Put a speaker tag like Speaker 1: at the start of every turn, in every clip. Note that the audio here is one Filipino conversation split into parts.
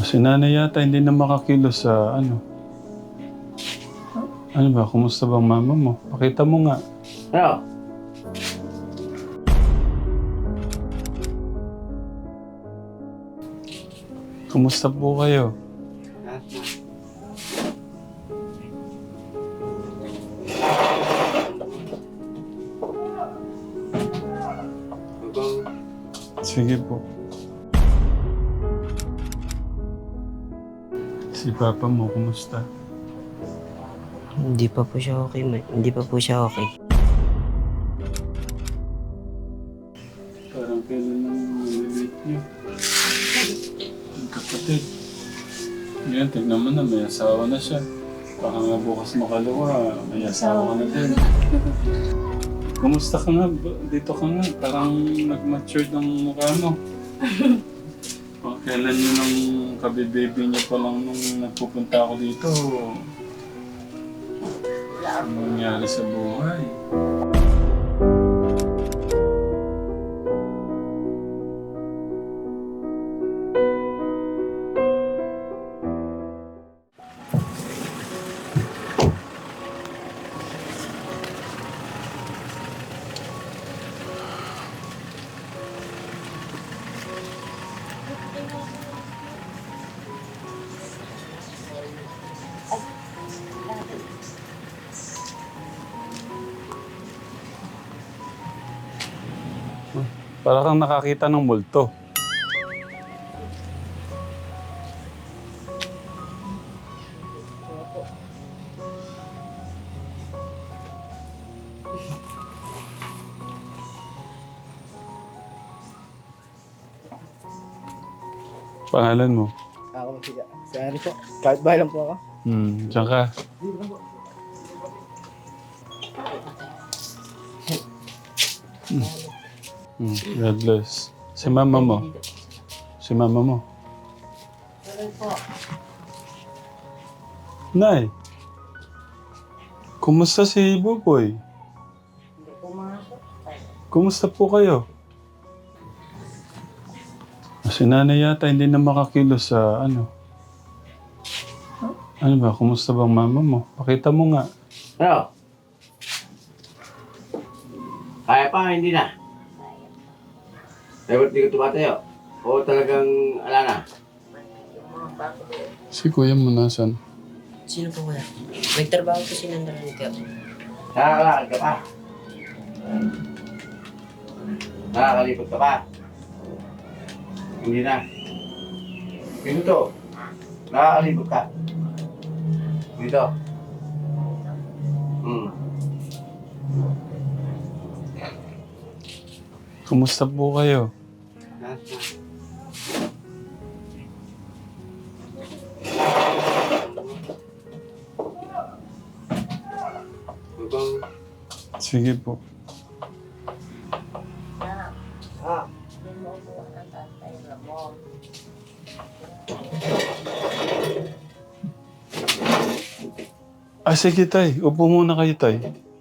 Speaker 1: Si nanay yata hindi na makakilos sa ano. Ano ba? Kumusta bang mama mo? Pakita mo nga.
Speaker 2: Ano?
Speaker 1: Kumusta po kayo? Sige po. Si papa mo, kumusta?
Speaker 3: Hindi pa po siya okay. Hindi pa po siya okay.
Speaker 1: Parang kailan nang nililate niyo? Ang kapatid. Yan, tignan mo na, may asawa na siya. Baka nga bukas makalawa, may asawa ka na din. Kumusta ka nga? Dito ka nga. Parang nag-mature ng mukha mo. O, kailan nyo nang kabibaby niyo pa lang nung nagpupunta ako dito? Ano nangyari sa buhay? Para kang nakakita ng multo. Pangalan mo?
Speaker 2: Ako siya. Si Ari po. Kahit bahay lang po ako.
Speaker 1: Diyan ka. God bless. Si mama mo? Si mama mo? Nay, kumusta si Buboy? Kumusta po kayo? Si nanay yata hindi na makakilos sa ano. Ano ba? Kumusta bang mama mo? Pakita mo nga.
Speaker 2: Ano? Kaya pa, hindi na. Dapat di ka tumatayo. O talagang ala na.
Speaker 1: Si kuya mo nasan?
Speaker 3: Sino po kuya? Nagtrabaho po si Nandaran ka.
Speaker 2: Nakakalakad ka pa. Nakakalipot ka pa. Hindi na. Dito. Nakakalipot ka. Dito.
Speaker 1: Kumusta po kayo? Sige po. Sige tay. Upo muna kayo tay.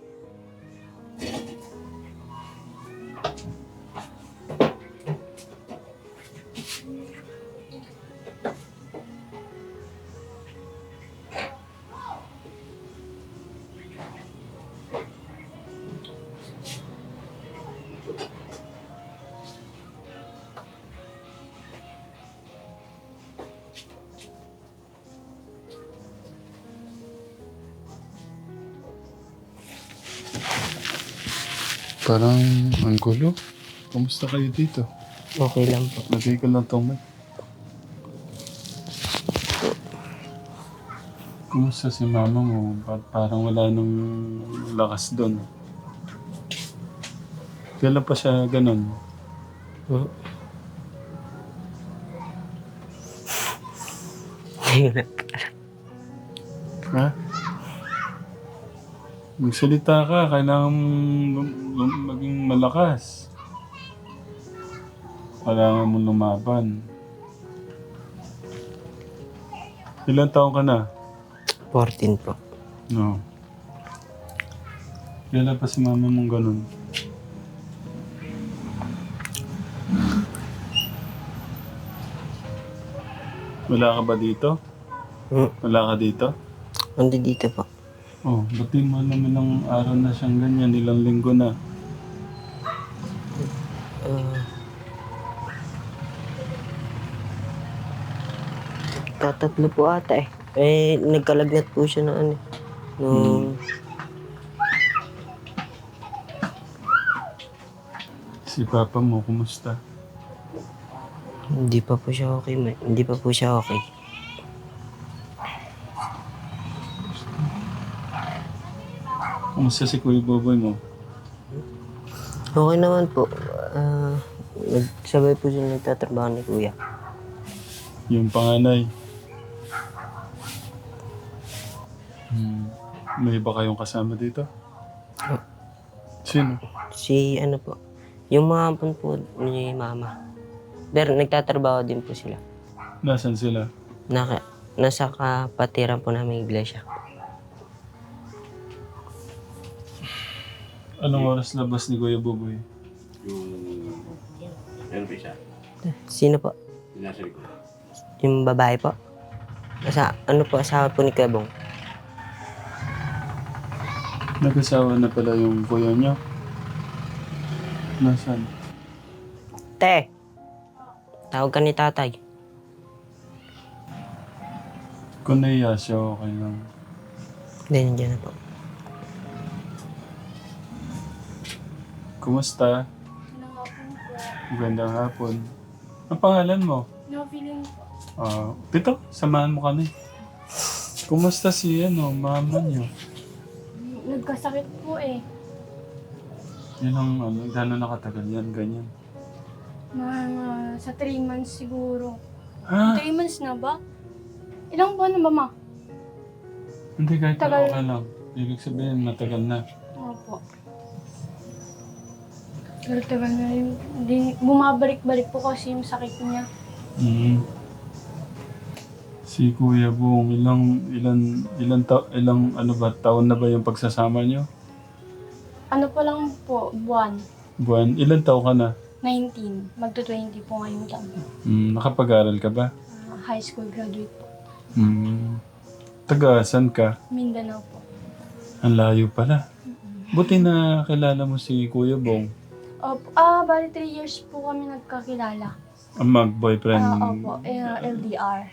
Speaker 1: Parang ang gulo. Kumusta kayo dito?
Speaker 3: Okay lang po.
Speaker 1: Lagay ko lang itong mic. Kumusta si mama mo? Parang wala nang lakas doon. Kailan pa siya ganun? Ha? Magsalita ka. Kailangan maging malakas. Kailangan mo lumaban. Ilan taon ka na?
Speaker 3: 14 po.
Speaker 1: No. Kailan pa si mama mong ganun? Wala ka ba dito? Wala ka dito?
Speaker 3: Andi dito po.
Speaker 1: Oh, ba't di mo alam ilang araw na siyang ganyan, ilang linggo na?
Speaker 3: Ah, tatatlo po ata eh. Nagkalagnat po siya na ano. Nung
Speaker 1: Si Papa mo, kumusta?
Speaker 3: hindi pa po siya okay. Hindi pa po siya okay.
Speaker 1: Kumusta si Kuya Boboy mo?
Speaker 3: Okay naman po. Nagsabay po siya nagtatrabaho ni Kuya.
Speaker 1: Yung panganay. May iba kayong kasama dito? Sino?
Speaker 3: Si ano po, yung mga ampon po ni Mama. Pero nagtatrabaho din po sila.
Speaker 1: Nasaan sila?
Speaker 3: Nasa kapatiran po namin iglesia.
Speaker 1: Anong oras labas ni Kuya Boboy?
Speaker 2: Yung... Meron pa isa.
Speaker 3: Sino po?
Speaker 2: Yung nasa likod.
Speaker 3: Yung babae po? Ano po, asawa po ni Kabong?
Speaker 1: Nag-asawa na pala yung kuya niyo? Nasaan?
Speaker 3: Te! Tawag ka ni tatay.
Speaker 1: Kung naiya siya, okay lang.
Speaker 3: Hindi, nandiyan na po.
Speaker 1: Kumusta? Magandang hapon. Ang pangalan mo?
Speaker 4: No feeling po.
Speaker 1: Pito, samahan mo kami. Kumusta si mama niyo?
Speaker 4: Nagkasakit po eh.
Speaker 1: Yan ang gano'n nakatagal yan, ganyan.
Speaker 4: Sa 3 months siguro.
Speaker 1: Ha?
Speaker 4: 3 months na ba? Ilang buwan na ba, ma?
Speaker 1: Hindi, kahit na
Speaker 4: Tagal.
Speaker 1: okay lang. Ibig sabihin, matagal na.
Speaker 4: Opo. Pero tagal na rin. Bumabalik-balik po kasi yung sakit niya.
Speaker 1: Si Kuya Bong, ilang taon na ba yung pagsasama niyo?
Speaker 4: Ano pa lang po, buwan.
Speaker 1: Buwan, ilang taon ka na?
Speaker 4: 19. Magto-20 po ngayong taon.
Speaker 1: Nakapag-aral ka ba?
Speaker 4: High school graduate po.
Speaker 1: Taga, saan ka?
Speaker 4: Mindanao po.
Speaker 1: Ang layo pala. Buti na kilala mo si Kuya Bong.
Speaker 4: Opo. Bali 3 years po kami nagkakilala.
Speaker 1: Ang mag-boyfriend.
Speaker 4: Opo. LDR.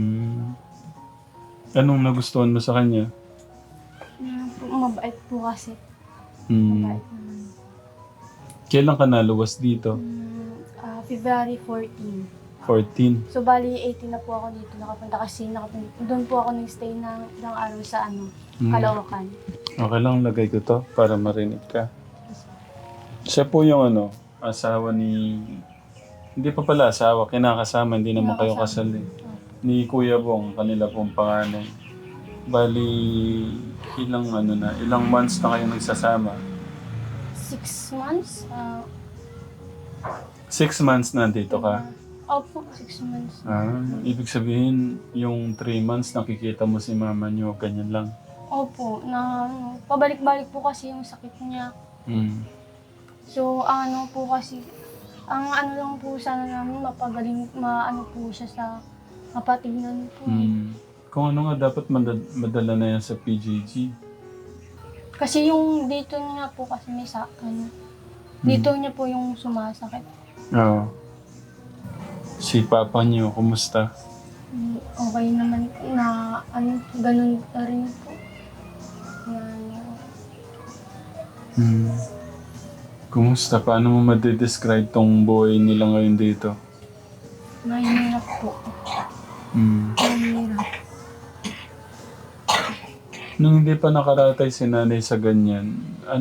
Speaker 1: Anong nagustuhan mo sa kanya?
Speaker 4: Mabait po kasi.
Speaker 1: Hmm.
Speaker 4: Mabait naman.
Speaker 1: Kailan ka naluwas dito?
Speaker 4: February 14.
Speaker 1: 14.
Speaker 4: So, bali 18 na po ako dito nakapunta kasi doon po ako nag-stay ng ilang araw sa Caloocan.
Speaker 1: Okay lang, lagay ko to para marinig ka. Siya po yung asawa ni... Hindi pa pala asawa, kinakasama, hindi naman kayo kasal eh. Ni Kuya Bong, kanila pong panganay. Bali, ilang months na kayo nagsasama?
Speaker 4: 6 months?
Speaker 1: 6 months na dito ka?
Speaker 4: Opo, 6 months.
Speaker 1: Ibig sabihin, yung 3 months nakikita mo si mama niyo, ganyan lang.
Speaker 4: Opo, pabalik-balik po kasi yung sakit niya. So, po kasi, ang lang po sana namin, mapagaling, po siya sa mapatignan po.
Speaker 1: Kung ano nga, dapat madala na yan sa PJG.
Speaker 4: Kasi yung dito niya po kasi may dito niya po yung sumasakit.
Speaker 1: Oo. Si Papa niyo, kumusta?
Speaker 4: Okay naman na ganun na rin po.
Speaker 1: Kumusta? Paano mo madidescribe tong buhay nila ngayon dito?
Speaker 4: Mahirap po. Mahirap.
Speaker 1: Nung hindi pa nakaratay si nanay sa ganyan,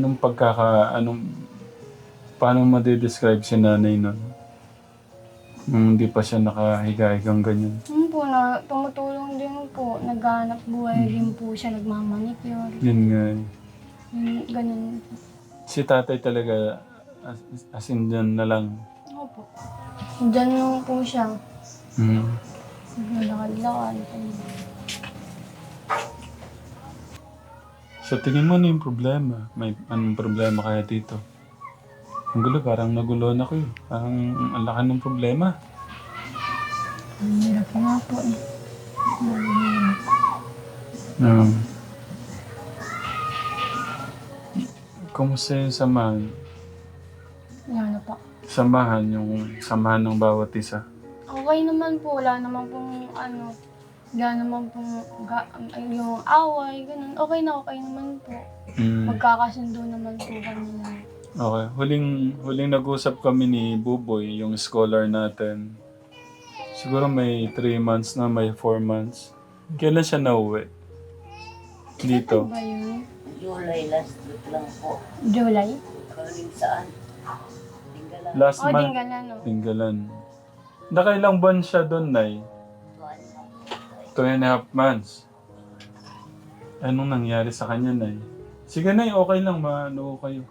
Speaker 1: paano madidescribe si nanay nun? Nung hindi pa siya nakahiga-higang ganyan.
Speaker 4: Po tumutulong din po. Naghanap buhay din po siya, nagmamanicure.
Speaker 1: Yun nga eh.
Speaker 4: Ganun.
Speaker 1: Si tatay talaga, as in dyan na lang.
Speaker 4: Opo. Diyan lang po siya. Naglalakad-lakad.
Speaker 1: Sa tingin mo, ano yung problema? May anong problema kaya dito? Ang gulo, parang naguluhan ako eh. Parang ang laki ng problema.
Speaker 4: Ang hirap nga po eh.
Speaker 1: Um, Kumusta yung samahan?
Speaker 4: Yan na po.
Speaker 1: Samahan ng bawat isa.
Speaker 4: Okay naman po, wala naman pong wala naman pong yung away, ganun. Okay naman po. Magkakasundo naman po kami na.
Speaker 1: Okay. Huling nag-usap kami ni Buboy, yung scholar natin. Siguro may 3 months na, may 4 months. Kailan siya nauwi? Dito.
Speaker 4: Ba yun?
Speaker 5: July last week lang po.
Speaker 4: July?
Speaker 5: Galing saan? Tinggalan.
Speaker 1: Last
Speaker 4: O,
Speaker 1: month.
Speaker 4: Dinggalan, no?
Speaker 1: Tinggalan. Nakailang buwan siya doon, Nay? 2.5 months. Anong nangyari sa kanya, Nay? Sige, Nay, okay lang. Maano kayo.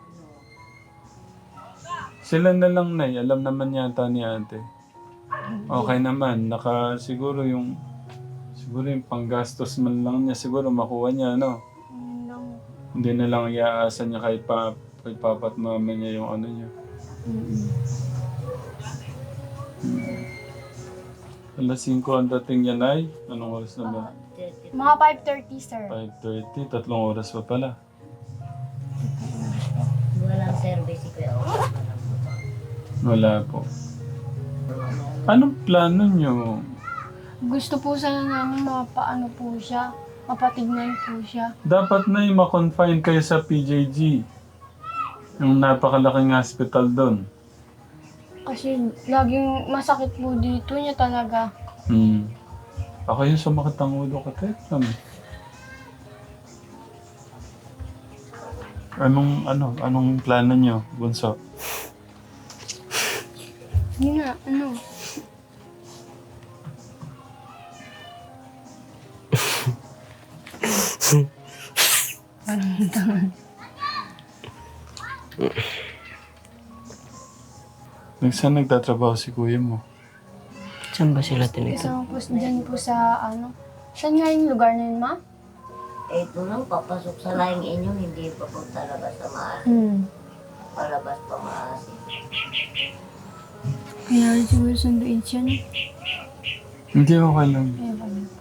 Speaker 1: Sila na lang, Nay. Alam naman yata ni ate. Okay naman. Siguro yung panggastos man lang niya. Siguro makuha niya, no?
Speaker 4: Yun lang.
Speaker 1: Hindi na lang iaasa niya kay papa at mama niya yung ano niya. Alas 5 ang dating niya, Nay. Anong oras na ba?
Speaker 4: Mga 5:30, sir.
Speaker 1: 5:30. 3 oras pa pala.
Speaker 5: Walang service si Kuya Owen.
Speaker 1: Wala po. Anong plano niyo?
Speaker 4: Gusto po sana namin mapaano po siya, mapatignan po siya.
Speaker 1: Dapat na yung ma-confine kayo sa PJG. Yung napakalaking hospital doon.
Speaker 4: Kasi laging masakit po dito niya talaga.
Speaker 1: Ako yung sumakit ang ulo ko, Tekram. Anong plano niyo, Bunso?
Speaker 4: Hindi na,
Speaker 1: Saan nagtatrabaho si kuya mo?
Speaker 3: Saan ba sila tinitira?
Speaker 4: Isang po dyan po sa saan nga yung lugar na yun, ma?
Speaker 5: Eh, ito lang, papasok sa laing inyo, hindi pa po talaga sa maasin. Palabas pa maasin.
Speaker 4: Kaya rin siguro sunduin siya, no?
Speaker 1: Hindi, okay lang.
Speaker 4: Kaya ba yun?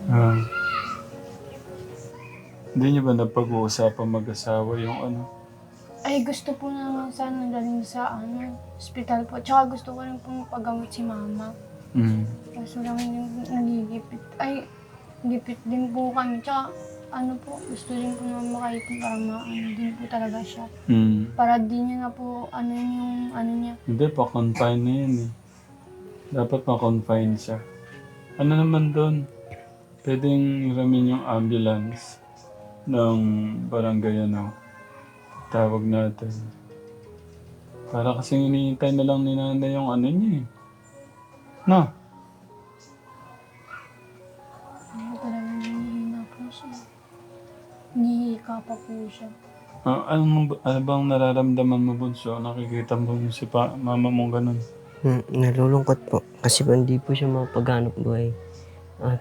Speaker 1: Hindi niyo ba napag-uusapan mag-asawa yung ano?
Speaker 4: Ay, gusto po naman sana galing sa hospital po. Tsaka gusto ko rin po mapagamot si mama. Kaso lang yung nagigipit. Ay, gipit din po kami. Tsaka gusto din po naman makaipon para din po talaga siya. Para di niya na po, yung niya.
Speaker 1: Hindi, pa-confine na yun eh. Dapat pa-confine siya. Ano naman doon? Pwedeng iramin yung ambulance ng barangay tawag natin. Para kasi hinihintay na lang ni nanay yung niya eh. No?
Speaker 4: Talagang hinihina po siya. Hinihika pa po siya.
Speaker 1: Ano bang nararamdaman mo, Bunso? Nakikita mo si mama mong ganun?
Speaker 3: Nalulungkot po. Kasi po hindi po siya mapaghanap buhay. At,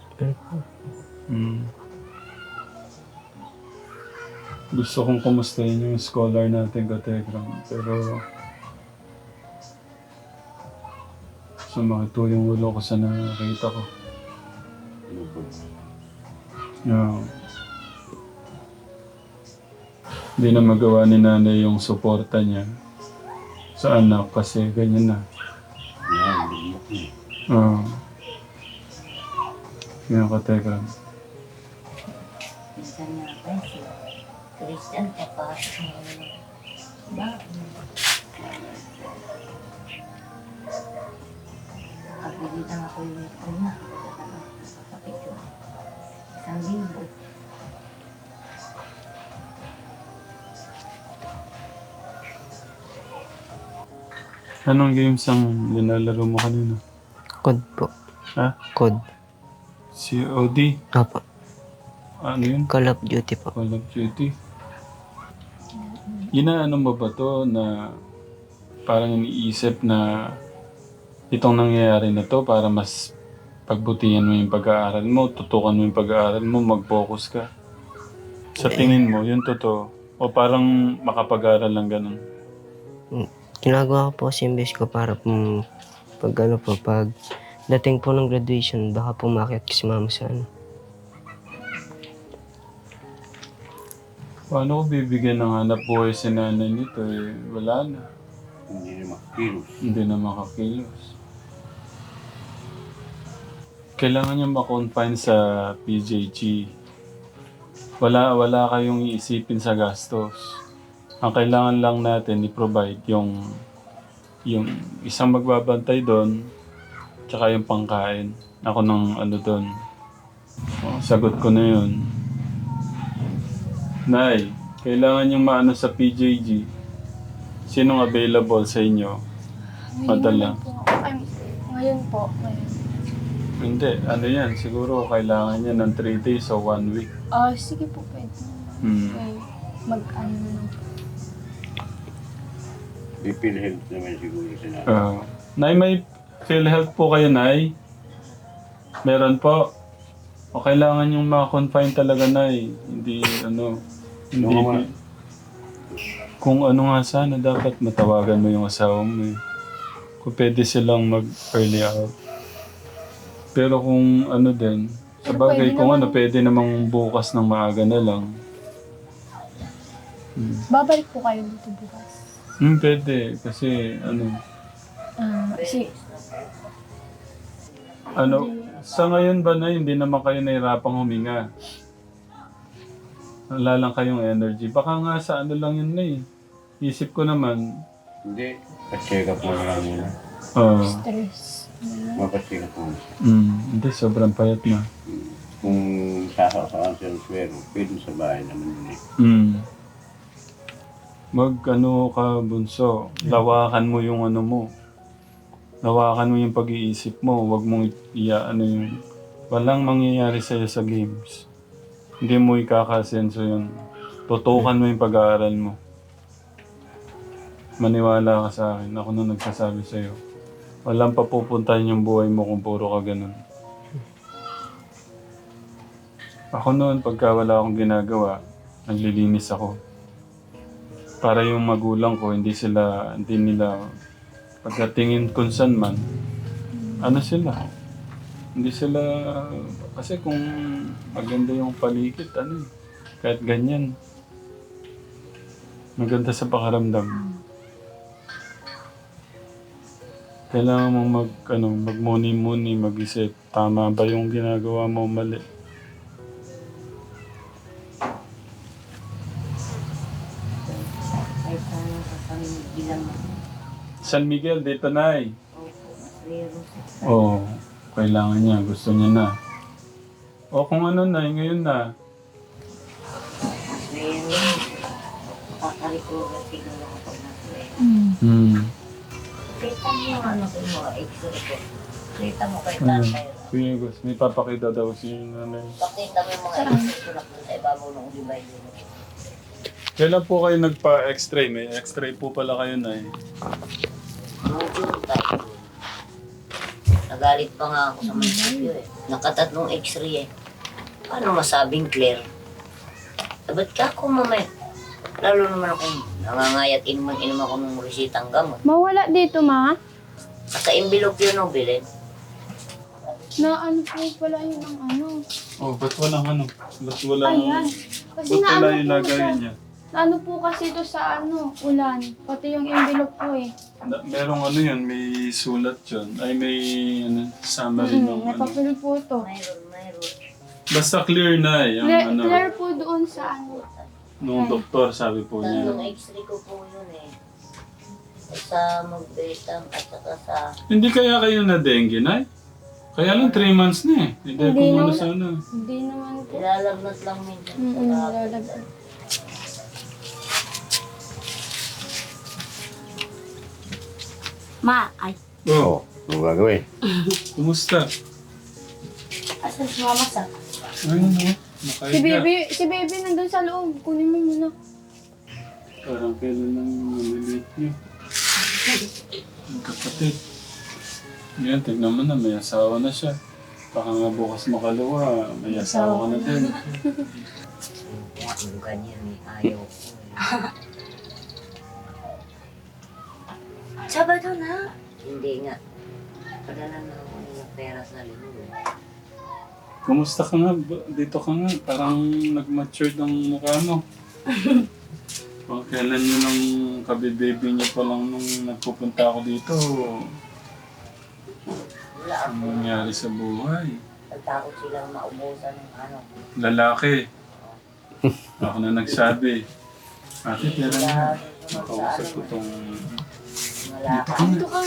Speaker 1: Gusto kong kumustahin yung scholar natin, Kategram. Pero sumakit po yung ulo ko sa nakakita ko. Hindi na magawa ni nanay yung suporta niya sa anak kasi ganyan na.
Speaker 2: Yan, lumok na.
Speaker 1: Yan, Kategram.
Speaker 5: Minsan nga pa, si Christian, papasok mo ba? Nakapilitan ako yung ito na. Kapit yun. 1,000.
Speaker 1: Anong games ang nilalaro mo kanina?
Speaker 3: code po.
Speaker 1: Ha?
Speaker 3: Code.
Speaker 1: COD?
Speaker 3: Apo.
Speaker 1: Ano yun?
Speaker 3: Call of Duty po.
Speaker 1: Call of Duty? Inaano mo ba to na parang iniisip na itong nangyayari na to para mas pagbutihan mo yung pag-aaral mo, tutukan mo yung pag-aaral mo, mag-focus ka? Sa tingin mo, yun totoo? O parang makapag-aaral lang ganun?
Speaker 3: Ginagawa ko po kasi imbes ko para pag Dating po ng graduation, baka po maakyat ko si mama sa ano.
Speaker 1: Paano ko bibigyan ng hanap buhay si nanay nito eh? Wala na.
Speaker 2: Hindi na makakilos.
Speaker 1: Hindi na makakilos. Kailangan niya ma-confine sa PJG. Wala kayong iisipin sa gastos. Ang kailangan lang natin i-provide yung isang magbabantay doon, tsaka yung pangkain. Ako ng ano doon. Oh, sagot ko na yun. Nay, kailangan yung maano sa PJG. Sinong available sa inyo? Madala.
Speaker 4: Ngayon po. Ngayon.
Speaker 1: Hindi, ano yan, siguro kailangan niya ng 3 days o 1 week.
Speaker 4: Sige po, pwede.
Speaker 1: Hmm.
Speaker 4: Mag-ano na lang po.
Speaker 2: May PhilHealth naman siguro sinabi.
Speaker 1: Nay, may PhilHealth po kayo, Nay? Meron po. O kailangan yung ma-confine talaga, Nay. Hindi, hindi.
Speaker 2: Oo nga.
Speaker 1: Kung ano nga sana, dapat matawagan mo yung asawa mo eh. Kung pwede silang mag-early out. Pero kung ano din, sa
Speaker 4: Pero
Speaker 1: bagay,
Speaker 4: pwede
Speaker 1: kung
Speaker 4: naman.
Speaker 1: pwede namang bukas ng maaga na lang.
Speaker 4: Babalik po kayo dito bukas.
Speaker 1: Pwede. Kasi,
Speaker 4: Kasi,
Speaker 1: sa ngayon ba na hindi naman kayo nahirapang huminga? Wala lang kayong energy. Baka nga sa ano lang yun na eh. Isip ko naman,
Speaker 2: Hindi. Pa-check up mo na lang muna.
Speaker 4: stress.
Speaker 2: Mapacheck up mo.
Speaker 1: hindi, sobrang payat na.
Speaker 2: Kung sasaksakan siya ng swero, pwede sa bahay naman yun eh.
Speaker 1: Ka, bunso, lawakan mo yung ano mo. Lawakan mo yung pag-iisip mo. Huwag mong yung... Walang mangyayari sa'yo sa games. Hindi mo ikakasenso yun. Tutukan mo yung pag-aaral mo. Maniwala ka sa akin. Ako na nagsasabi sa'yo. Walang papupuntahin yung buhay mo kung puro ka ganun. Ako noon, pagka wala akong ginagawa, naglilinis ako. Para yung magulang ko, hindi nila, pagkatingin kung saan man, hindi sila, kasi kung maganda yung paligid, kahit ganyan, maganda sa pakaramdam. Kailangan mong magmuni-muni, mag-isip, tama ba yung ginagawa mo, mali.
Speaker 5: Kahit sana sa pamilya mo.
Speaker 1: San Miguel, dito na eh.
Speaker 5: Pero
Speaker 1: Oo, kailangan niya, gusto niya na. O kung ano na, ngayon na.
Speaker 5: ngayon, makakarikura siguro kapag nasa Kita mo yung ano ko yung mga x-ray ko. Kita mo kay tatay.
Speaker 1: Kuya Gus, may papakita daw si nanay.
Speaker 5: Pakita mo yung mga x-ray ko na sa ibabaw ng ulibay din.
Speaker 1: Kailan po kayo nagpa-x-ray? May x-ray po pala kayo na eh.
Speaker 5: Nung tayo. Nagalit pa nga ako sa munisipyo eh. Nakatatlong x-ray eh. Paano masabing clear? Ba't ka ako mamaya? Lalo naman akong nangangayat inuman ako ng resitang gamot.
Speaker 4: Mawala dito, ma.
Speaker 5: Naka-envelope yun o bilin.
Speaker 4: Na ano po pala yun ang ano.
Speaker 1: Oh, ba't walang Ba't walang...
Speaker 4: Ayan. Kasi
Speaker 1: Ba't
Speaker 4: na
Speaker 1: wala
Speaker 4: ano
Speaker 1: yung
Speaker 4: po
Speaker 1: lagay
Speaker 4: siya.
Speaker 1: niya?
Speaker 4: Ano po kasi ito sa ulan. Pati yung envelope po eh.
Speaker 1: Merong yun, may sulat yun. Ay, may summary ng
Speaker 4: May papel po ito.
Speaker 5: Mayroon.
Speaker 1: Basta clear na eh. Yung
Speaker 4: Clear po doon sa ano.
Speaker 1: nung doktor, sabi po
Speaker 5: Tatlong
Speaker 1: niya.
Speaker 5: x-ray ko po yun eh. Sa magbetang at saka sa...
Speaker 1: Hindi kaya kayo na dengue, Nay? Kaya lang 3 months na eh. Hindi
Speaker 4: Hindi
Speaker 1: ko muna
Speaker 4: naman.
Speaker 1: sana.
Speaker 4: Hindi naman po.
Speaker 5: Nilalagnat lang minsan.
Speaker 4: Lalagyan. Ma, ay.
Speaker 1: Oh,
Speaker 2: Ano gagawin?
Speaker 1: kumusta?
Speaker 4: Asan si mama sa?
Speaker 1: Ayun mo, nakahiga.
Speaker 4: Si baby nandun sa loob. Kunin mo muna.
Speaker 1: Parang kailan lang nalilit niyo. Ang kapatid. Yan, tignan mo na, may asawa na siya. Baka nga bukas makalawa, may asawa ka na din.
Speaker 5: Yung ganyan eh, ayaw ko eh.
Speaker 4: Sabado na.
Speaker 5: Hindi nga. Padala na ako ng pera sa linggo.
Speaker 1: Kumusta ka nga? Dito ka nga. Parang nag-matured ang mukha mo. Kung kailan nyo nang kabibaby niyo pa lang nung nagpupunta ako dito,
Speaker 5: Wala
Speaker 1: ano
Speaker 5: ako.
Speaker 1: nangyari sa buhay?
Speaker 5: Nagtakot silang maubusan ng ano.
Speaker 1: Lalaki. Ako na nagsabi. Ate, pera na.
Speaker 5: Wala
Speaker 1: Makausap ko tong...
Speaker 5: Wala ka.
Speaker 4: Dito ka.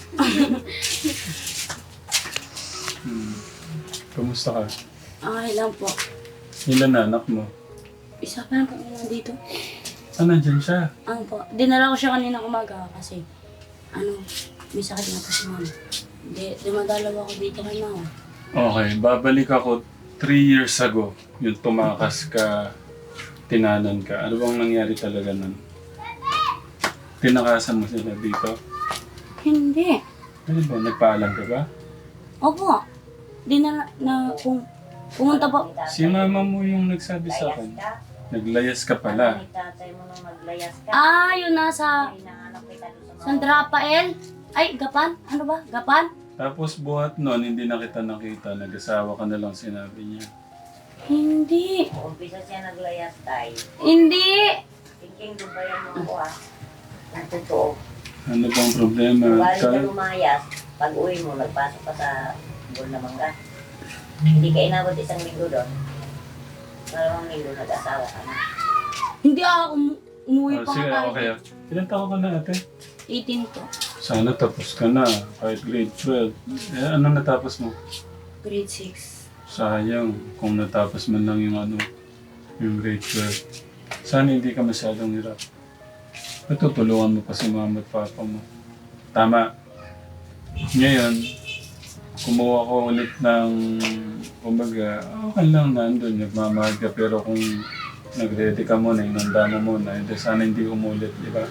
Speaker 1: Kumusta ka?
Speaker 6: Okay lang po.
Speaker 1: Ilan na anak mo?
Speaker 6: Isa pa lang po dito.
Speaker 1: Ah, nandyan siya.
Speaker 6: Ano po, dinala ko siya kanina umaga kasi may sakit na po si mama. Dumadalaw ako dito kay mama.
Speaker 1: Okay, babalik ako 3 years ago. Yung tumakas ka, tinanan ka. Ano bang nangyari talaga nun? Tinakasan mo sila dito?
Speaker 6: Hindi.
Speaker 1: Ano ba? Nagpaalam ka ba?
Speaker 6: Opo. Dinala na pumunta po.
Speaker 1: Si mama mo yung nagsabi sa
Speaker 5: Layas
Speaker 1: akin.
Speaker 5: ka.
Speaker 1: Naglayas ka pala.
Speaker 5: Ni tatay mo nung maglayas ka.
Speaker 6: Yun nasa
Speaker 5: Hinahanap kita doon sa
Speaker 6: San Rafael. Ay, Gapan? Ano ba? Gapan?
Speaker 1: Tapos buhat nun, hindi na kita nakita. Nag-asawa ka na lang sinabi niya.
Speaker 6: Hindi.
Speaker 5: Umpisa siya naglayas tayo.
Speaker 6: Hindi.
Speaker 5: Thinking dubayan mo ako Ang totoo.
Speaker 1: Ano bang problema?
Speaker 5: Bali na lumayas, pag uwi mo, nagpasok ka sa Bol na Mangga. Hindi ka inabot isang linggo doon. Dalawang linggo nag-asawa ka na.
Speaker 6: Hindi ako umuwi pa
Speaker 1: Sige,
Speaker 6: nga tayo.
Speaker 1: okay. Ilan taon ka na ate?
Speaker 6: 18 po.
Speaker 1: Sana tapos ka na. Kahit grade 12. Eh, ano natapos mo?
Speaker 6: Grade 6.
Speaker 1: Sayang kung natapos man lang yung grade 12. Sana hindi ka masyadong hirap. Natutulungan mo pa si mama at papa mo. Tama. Ngayon, kumuha ko ulit ng, kumbaga, okay lang nandun, nagmamahal ka. Pero kung nag-ready ka muna, inanda mo muna, sana hindi umulit, di ba?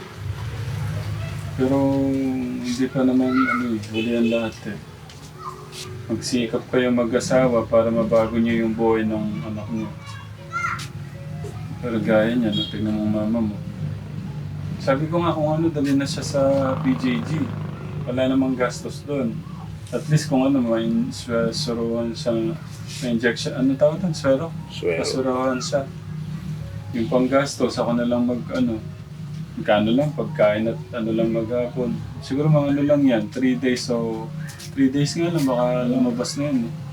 Speaker 1: Pero hindi pa naman, huli ang lahat eh. Magsikap kayo mag-asawa para mabago niyo yung buhay ng anak niyo. Pero gaya niya, tignan mo mama mo. Sabi ko nga kung dali na siya sa PJG. Wala namang gastos doon. At least kung may suruhan siya, may injection, tawag doon? Swero? Pasuruhan siya. Yung panggastos, ako na lang magkano lang, pagkain at lang maghapon. Siguro mga lang yan, 3 days. So, 3 days nga lang, baka lumabas na yan.